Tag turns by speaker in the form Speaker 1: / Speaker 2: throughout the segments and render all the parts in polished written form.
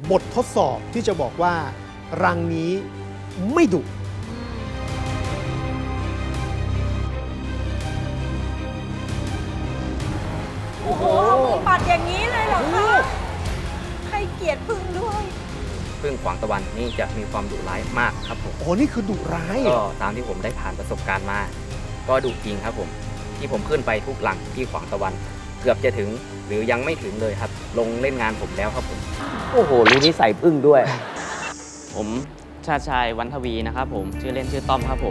Speaker 1: บททดสอบที่จะบอกว่ารังนี้ไม่ดุ
Speaker 2: โอ้โหมือปัดอย่างนี้เลยเหรอคะให้เกียรติพึ่งด้วย
Speaker 3: พึ่งขวางตะวันนี่จะมีความดุร้ายมากครับผม
Speaker 1: โอ้นี่คือดุร้ายเหร
Speaker 3: ก็
Speaker 1: อ
Speaker 3: ตามที่ผมได้ผ่านประสบการณ์มา ก็ดุจริงครับผม ที่ผมขึ้นไปทุกหลังที่ขวางตะวัน เกือบจะถึงหรือยังไม่ถึงเลยครับ ลงเล่นงานผมแล้วครับผม
Speaker 4: โอ้โหรู้นิสัยพึ่งด้วย
Speaker 5: ผมชาติชายวันทวีนะครับผมชื่อเล่นชื่อต้อมครับผม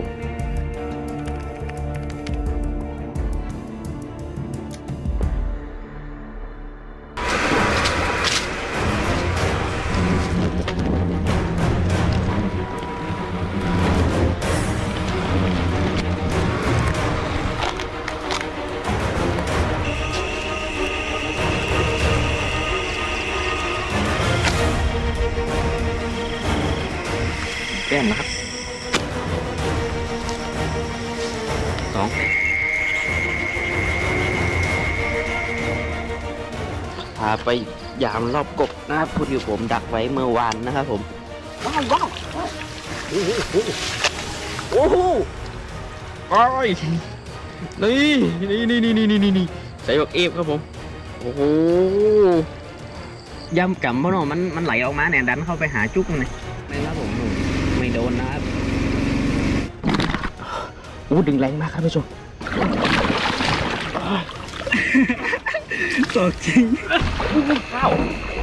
Speaker 5: แก้มนะครับสองพาไปยามรอบกบนะครับพูดอยู่ผมดักไว้เมื่อวานนะครับผมว้าวว้าวโอ้โหไอ้นี่ใส่บักเอฟครับผมโอ้โหย่ำกำเพราะเนาะมันไหลออกมาเนี่ยดันเข้าไปหาจุกเลยนะครับผมไม่โดนนะครับอู้ดึงแรงมากครับผู้ชมตกจริงข้าว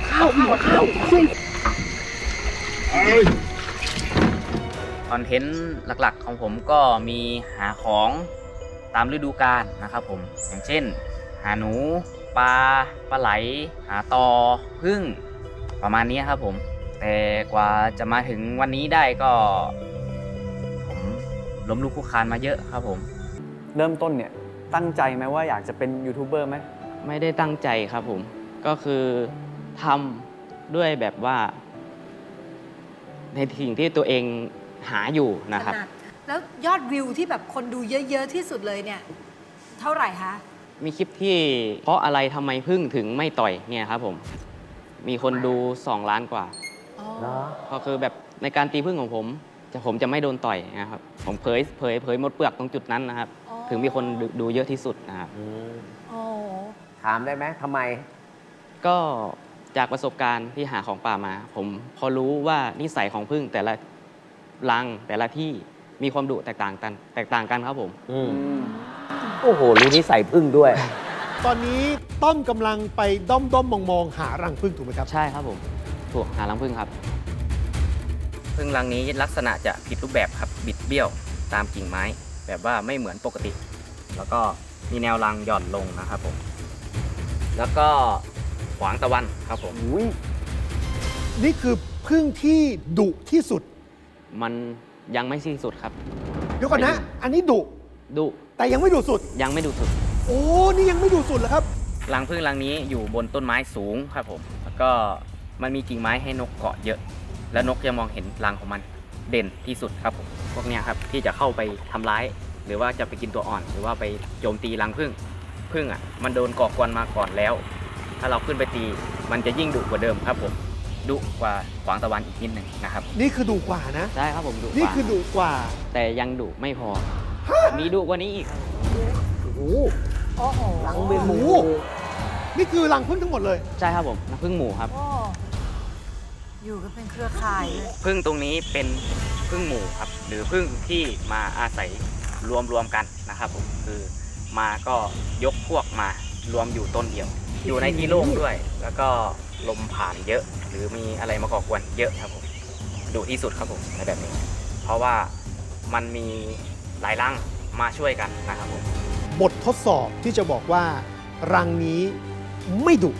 Speaker 5: คอนเทนต์หลักๆของผมก็มีหาของตามฤดูกาลนะครับผมอย่างเช่นหาหนูปลาไหลหาตอผึ้งประมาณนี้ครับผมแต่กว่าจะมาถึงวันนี้ได้ก็ผมล้มลุกคลุกคลานมาเยอะครับผม
Speaker 6: เริ่มต้นเนี่ยตั้งใจไหมว่าอยากจะเป็นยูทูบเบอร์ไหม
Speaker 5: ไม่ได้ตั้งใจครับผมก็คือทำด้วยแบบว่า ในสิ่งที่ตัวเองหาอยู่นะครับ
Speaker 2: แล้วยอดวิวที่แบบคนดูเยอะๆที่สุดเลยเนี่ย เท่าไหร่คะ
Speaker 5: มีคลิปที่เพราะอะไรทำไมพึ่งถึงไม่ต่อยเนี่ยครับผมมีคนดู2 ล้านกว่า
Speaker 2: อ๋อ
Speaker 5: ก็คือแบบในการตีพึ่งของผมจะไม่โดนต่อยนะครับผมเผยหมดเปลือกตรงจุดนั้นนะครับ
Speaker 2: อ๋อ
Speaker 5: ถึงมีคนดูเยอะที่สุดนะครับ
Speaker 2: โอ้
Speaker 4: ถามได้ไหมทำไม
Speaker 5: ก็จากประสบการณ์ที่หาของป่ามา ผมพอรู้ว่านิสัยของพึ่งแต่ละรังแต่ละที่มีความดุแตกต่างกันครับผม
Speaker 4: โอ้โหรู้นิสัยพึ่งด้วย
Speaker 1: ตอนนี้ต้อมกำลังไปด้อมมองหารังผึ้งถูกไหมครับ
Speaker 5: ใช่ครับผมถูกหารังพึ่งครับ
Speaker 3: พึ่งรังนี้ลักษณะจะผิดรูปแบบครับบิดเบี้ยวตามกิ่งไม้ แบบว่าไม่เหมือนปกติ แล้วก็มีแนวรังหย่อนลงนะครับผมแล้วก็ขวางตะวันครับผม
Speaker 1: นี่คือผึ้งที่ดุที่สุด
Speaker 5: มันยังไม่สิ้นสุดครับ
Speaker 1: เดี๋ยวก่อนนะ อันนี้ดุ
Speaker 5: ดุ
Speaker 1: แต่ยังไม่ดุสุด
Speaker 5: ยังไม่ดุสุด
Speaker 1: โอ้นี่ยังไม่ดุสุดเหรอครับ
Speaker 3: รังผึ้งรังนี้อยู่บนต้นไม้สูงครับผมแล้วก็มันมีกิ่งไม้ให้นกเกาะเยอะ และนกจะมองเห็นรังของมันเด่นที่สุดครับผมพวกเนี้ยครับที่จะเข้าไปทำร้าย หรือว่าจะไปกินตัวอ่อน หรือว่าไปโจมตีรังผึ้งอ่ะมันโดนก่อกวนมาก่อนแล้ว ถ้าเราขึ้นไปตีมันจะยิ่งดุกว่าเดิมครับผมดุกว่าขวางตะวันอีกนิดหนึ่งนะครับ
Speaker 1: นี่คือดุกว่านะ
Speaker 5: ใช่ครับผมดุก
Speaker 1: นี่
Speaker 5: ว่า
Speaker 1: คือดุกว่า
Speaker 5: แต่ยังดุไม่พอ มีดุกว่านี้อีกครับ
Speaker 1: โอ้โห
Speaker 2: โอ้โห
Speaker 4: หลังเป็นหมู
Speaker 1: นี่คือรังผึ้งทั้งหมดเลย
Speaker 5: ใช่ครับผมน้ำผึ้งหมูครับ
Speaker 2: โอ้อยู่กันเป็นเครือข่ายเลย
Speaker 3: ผึ้งตรงนี้เป็นผึ้งหมู่ครับหรือผึ้งที่มาอาศัยรวมกันนะครับผมคือมาก็ยกพวกมารวมอยู่ต้นเดียว อยู่ในที่โล่งด้วย แล้วก็ลมผ่านเยอะ หรือมีอะไรมาก่อกวนเยอะครับผมดุที่สุดครับผมในแบบนี้ เพราะว่ามันมีหลายรังมาช่วยกันนะครับผม
Speaker 1: บททดสอบที่จะบอกว่ารังนี้ไม่ดุ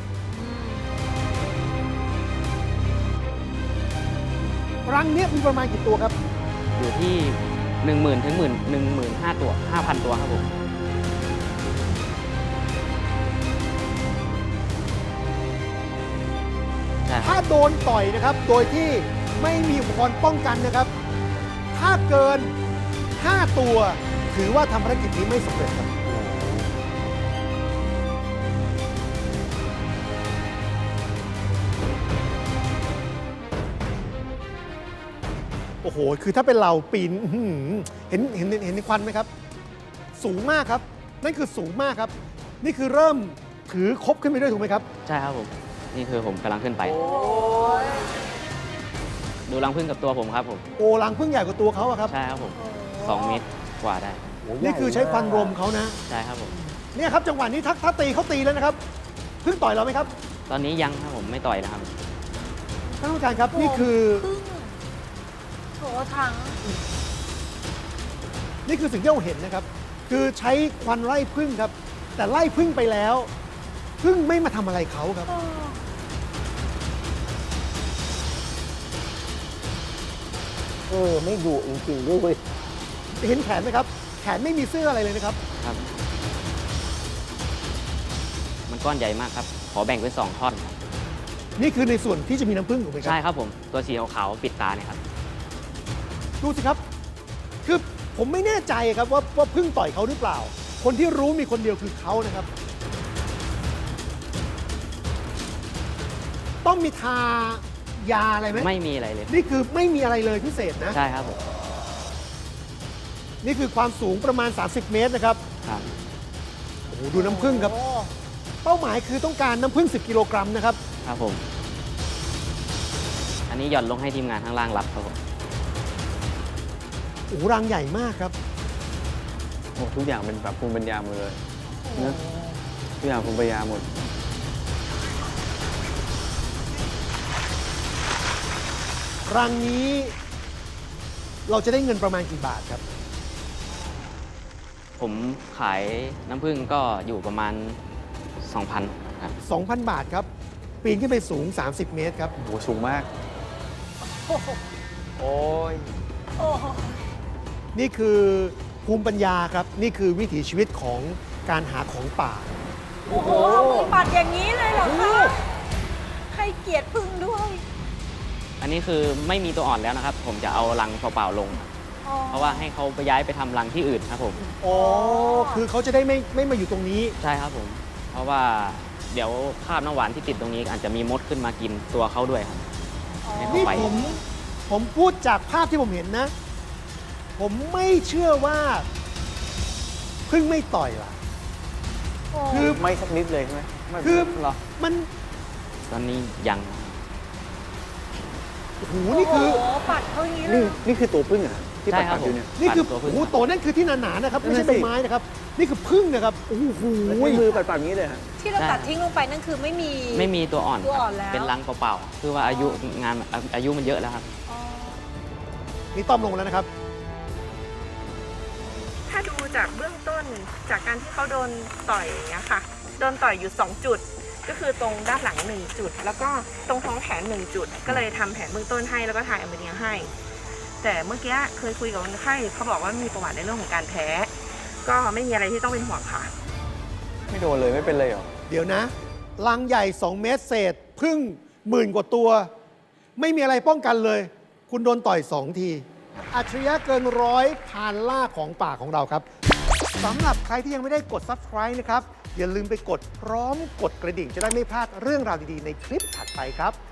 Speaker 1: รังเนี้ยมีประมาณกี่ตัวครับ
Speaker 5: อยู่ที่ 10,000 ถึง 15,000 ตัว 5,000 ตัวครับผม ใช่ครับ
Speaker 1: ถ้าโดนต่อยนะครับ โดยที่ไม่มีอุปกรณ์ป้องกันนะครับ ถ้าเกิน 5 ตัว ถือว่าทำภารกิจนี้ไม่สำเร็จครับโอ้โห คือถ้าเป็นเราปีนอื้อหือเห็นควันไหมครับ สูงมากครับ นั่นคือสูงมากครับ นี่คือเริ่มถือคบขึ้นไปด้วยถูกไหมครับ
Speaker 3: ใช่ครับผม นี่คือผมกำลังขึ้นไป ดูรังผึ้งกับตัวผมครับผม
Speaker 1: โอ้รังพึ่งใหญ่กว่าตัวเขาอะครับ
Speaker 3: ใช่ครับผม 2 เมตรกว่าได้
Speaker 1: นี่คือใช้ควันรมเขานะ
Speaker 3: ใช่ครับผม
Speaker 1: เนี่ยครับจังหวะนี้ถ้าตีเขาตีแล้วนะครับพึ่งต่อยเราไหมครับ
Speaker 3: ตอนนี้ยังครับผมไม่ต่อยนะครับ
Speaker 1: ท่านผู้การครับนี่คือ
Speaker 2: พึ่งโถถัง
Speaker 1: นี่คือสิ่งที่เราเห็นนะครับ คือใช้ควันไล่พึ่งครับ แต่ไล่พึ่งไปแล้วพึ่งไม่มาทำอะไรเขาครับ
Speaker 4: ไม่ดุจริงๆด้วยเว้ย
Speaker 1: เห็นแขนไหมครับ แขนไม่มีเสื้ออะไรเลยนะครับ
Speaker 3: ครับ มันก้อนใหญ่มากครับ ขอแบ่งเป็น2 ท่อนครับ
Speaker 1: นี่คือในส่วนที่จะมีน้ำพึ่งถูกไหมครั
Speaker 3: ใช่ครับผม ตัวสีขาวๆปิดตาเนี่ยครับ
Speaker 1: ดูสิครับ คือผมไม่แน่ใจครับว่าพึ่งต่อยเขาหรือเปล่า คนที่รู้มีคนเดียวคือเขานะครับ ต้องมีทายาอะไรไหม
Speaker 3: ไม่มีอะไรเลย
Speaker 1: นี่คือไม่มีอะไรเลยพิเศษนะ
Speaker 3: ใช่ครับผม
Speaker 1: นี่คือความสูงประมาณ 30 เมตรนะครับ
Speaker 3: ครับ
Speaker 1: โอ้โหดูน้ำผึ้งครับ เป้าหมายคือต้องการน้ำผึ้ง10 กิโลกรัมนะครับ
Speaker 3: ครับผม อันนี้หย่อนลงให้ทีมงานข้างล่างรับครับผม
Speaker 1: โอ้โหรังใหญ่มากครับ
Speaker 6: โอ้ทุกอย่างเป็นแบบภูมิปัญญาหมดเลยนะทุกอย่างภูมิปัญญาหมด
Speaker 1: รังนี้เราจะได้เงินประมาณกี่บาทครับ
Speaker 3: ผมขายน้ำผึ้งก็อยู่ประมาณ 2,000 ครับ
Speaker 1: 2,000 บาทครับ ปีนขึ้นไปสูง 30 เมตรครับ
Speaker 6: โอ้โหสูงมาก โอ้ย
Speaker 2: โอ้โห
Speaker 1: นี่คือภูมิปัญญาครับ นี่คือวิถีชีวิตของการหาของป่า
Speaker 2: โอ้โหเอามือปัดอย่างนี้เลยเหรอคะให้เกียรติพึ่งด้วย
Speaker 3: อันนี้คือไม่มีตัวอ่อนแล้วนะครับ ผมจะเอารังเปล่าๆลงครับ
Speaker 2: อ๋อ
Speaker 3: เพราะว่าให้เขาไปย้ายไปทำรังที่อื่นครับผม
Speaker 1: อ๋อ คือเขาจะได้ไม่มาอยู่ตรงนี้
Speaker 3: ใช่ครับผม เพราะว่าเดี๋ยวคราบน้ำหวานที่ติดตรงนี้อาจจะมีมดขึ้นมากินตัวเขาด้วยครับ ให้เขา
Speaker 1: นี่
Speaker 3: ไป
Speaker 1: ผมพูดจากภาพที่ผมเห็นนะ ผมไม่เชื่อว่าพึ่งไม่ต่อยล่ะ คือ
Speaker 6: ไม่สักนิดเลยใช่ไหมไม่
Speaker 1: คือ
Speaker 6: เหรอ
Speaker 1: มัน
Speaker 3: ตอนนี้ยัง
Speaker 1: โอ้โหนี่คือ
Speaker 2: โอ้โหปัดเขาอย่างนี้เล
Speaker 6: นี่
Speaker 2: ย
Speaker 6: นี่คือตัวพึ่งเหรอที่
Speaker 3: ใช่
Speaker 6: ปัด
Speaker 3: ครับ
Speaker 6: ๆอยู่เนี่ย
Speaker 1: นี่คือ
Speaker 3: ตัวพึ่
Speaker 1: โอ้
Speaker 3: ง
Speaker 1: โหโตนั่นคือที่หนาๆนะครับ ไม่ใช่
Speaker 6: นั่น
Speaker 1: ใบ
Speaker 6: สิ
Speaker 1: ไม้นะครับ นี่คือพึ่งนะครับ โอ้โห
Speaker 6: แล้วใช้มือปัดๆอย่างนี้เลยฮะ
Speaker 2: ที่เราตัดทิ้งลงไปนั่นคือไม่มี
Speaker 3: ไม่มีตัวอ่อน
Speaker 2: ตัว
Speaker 3: ค
Speaker 2: อ่
Speaker 3: รั
Speaker 2: อบ นแล้ว
Speaker 3: เป็นรังเปล่าๆ คือว่าอายุงานอายุมันเยอะแล้วครับ
Speaker 2: อ๋อ
Speaker 1: นี่ต้อมลงแล้วนะครับ
Speaker 7: ถ้าดูจากเบื้องต้นจากการที่เขาโดนต่อยอย่างเงี้ยค่ะ โดนต่อยอยู่ 2 จุด ก็คือตรงด้านหลัง 1 จุด แล้วก็ตรงท้องแขน 1 จุด ก็เลยทำแผนเบื้องต้นให้แล้วก็ถ่ายแอมโมเนียให้ แต่เมื่อกี้เคยคุยกับคนไข้เขาบอกว่ามีประวัติในเรื่องของการแพ้ ก็ไม่มีอะไรที่ต้องเป็นห่วงค่ะ
Speaker 6: ไม่โดนเลยไม่เป็นเลยเหรอ
Speaker 1: เดี๋ยวนะ รังใหญ่ 2 เมตรเศษ พึ่งหมื่นกว่าตัว ไม่มีอะไรป้องกันเลย คุณโดนต่อย 2 ที อัจฉริยะเกินร้อยพานล่าของป่าของเราครับสำหรับใครที่ยังไม่ได้กด Subscribe นะครับ อย่าลืมไปกดพร้อมกดกระดิ่งจะได้ไม่พลาดเรื่องราวดี ๆ ในคลิปถัดไปครับ